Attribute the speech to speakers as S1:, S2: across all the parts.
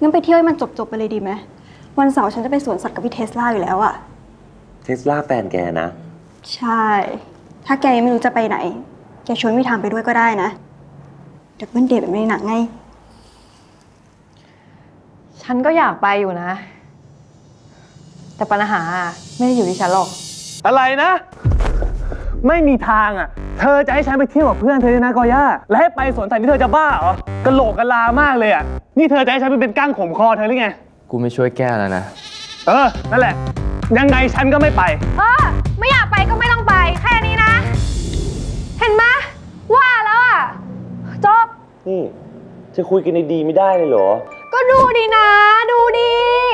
S1: งั้นไปเที่ยวให้มันจบไปเลยดีไหมวันเสาร์ฉันจะไปสวนสัตว์กับพี่เทสลาอยู่แล้วอะ
S2: เทสลาแฟนแกนะ
S1: ใช่ ถ้าแกยังไม่รู้จะไปไหนแกชวนพี่ทามไปด้วยก็ได้นะดับเบิลเดทแบบในหนังไง
S3: ฉันก็อยากไปอยู่นะ แต่ปัญหาไม่ได้อยู่ที่ฉันหรอก
S4: อะไรนะไม่มีทางอ่ะเธอจะให้ฉันไปเที่ยวกับเพื่อนเธอนะกอย่าและให้ไปสวนสัตว์ที่เธอจะบ้าเหรอกะโหลกกะลามากเลยอ่ะนี่เธอจะให้ฉันไปเป็นก้างขมคอเธอหรือไง
S5: กูไม่ช่วยแก้แล้วนะ
S4: นั่นแหละยังไงฉันก็ไม่ไป
S3: ไม่อยากไปก็ไม่ต้องไปแค่นี้นะเห็นไหมว่าแล้วอ่ะจบ
S2: นี่จะคุยกันดีๆไม่ได้เลยเหรอ
S3: ก็ดูดีนะดูดี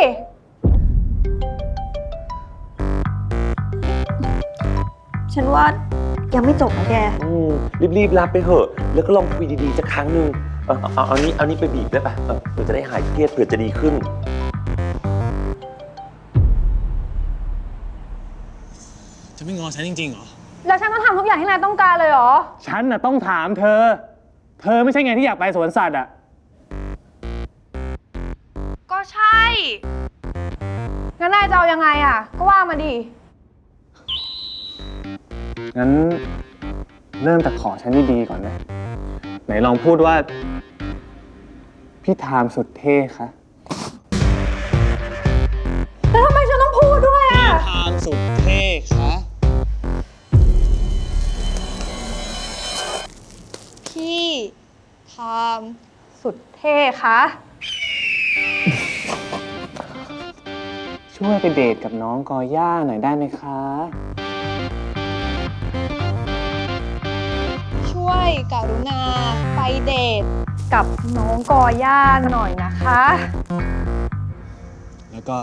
S1: ฉันว่ายังไม่จบนะแก
S2: รีบรับไปเถอะแล้วก็ลองคุยดีๆสักครั้งหนึ่งเอานี้ไปบีบได้ปะเผื่อจะได้หายเครียดเผื่อจะดีขึ้น
S4: จะไม่งอฉันจริงๆเหรอ
S3: แล้วฉันต้องทำทุกอย่างที่นายต้องการเลยเหรอ
S4: ฉันน่ะต้องถามเธอไม่ใช่ไงที่อยากไปสวนสัตว์อ่ะ
S3: ก็ใช่งั้นนายจะเอายังไงอ่ะก็ว่ามาดิ
S4: งั้นเริ่มจากขอฉันดีๆก่อนนะไหนลองพูดว่าพี่ทามสุดเท่คะ
S3: แล้วทำไมฉันต้องพูดด้วยอ่ะ
S4: พี่ทามสุดเท่คะ
S3: พี่ทามสุดเท่คะ
S4: ช่วยไปเดทกับน้องกอย่าหน่อยได้ไหมคะ
S3: ช่วยกรุณาไปเดทกับน้องกอย่าหน่อยนะคะ
S4: แล้วก็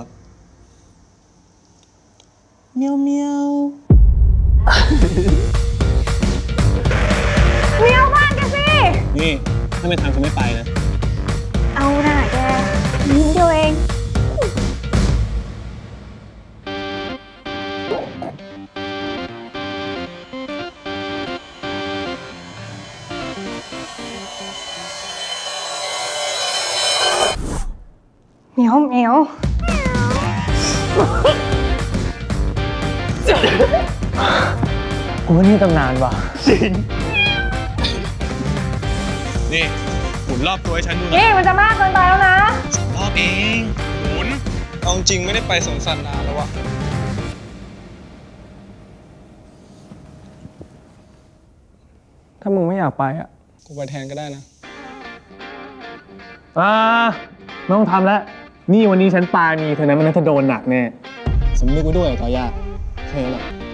S4: เมียวเมียว
S3: เมียวบ้านกันสิ
S4: นี่ถ้าไม่ทำจะไม่ไปนะ
S1: เอาหน่าแกยิ้มเดียวเองเหมียวเหมียว
S4: กูว่านี่ตำนานว่ะจริงนี่หมุนรอบตัวให้ฉันดูนะ
S3: นี่มันจะมากเกินไปแล้วนะ
S4: รอบเองหมุนเอาจริงไม่ได้ไปสวนสัตว์นานแล้ววะถ้ามึงไม่อยากไปอ่ะกูไปแทนก็ได้นะไม่ต้องทำแล้วนี่วันนี้ฉันปาณีเธอนะมันน่าจะโดนหนักแน่สำนึกไว้ด้วยต่อยากแค่นั้นแหละ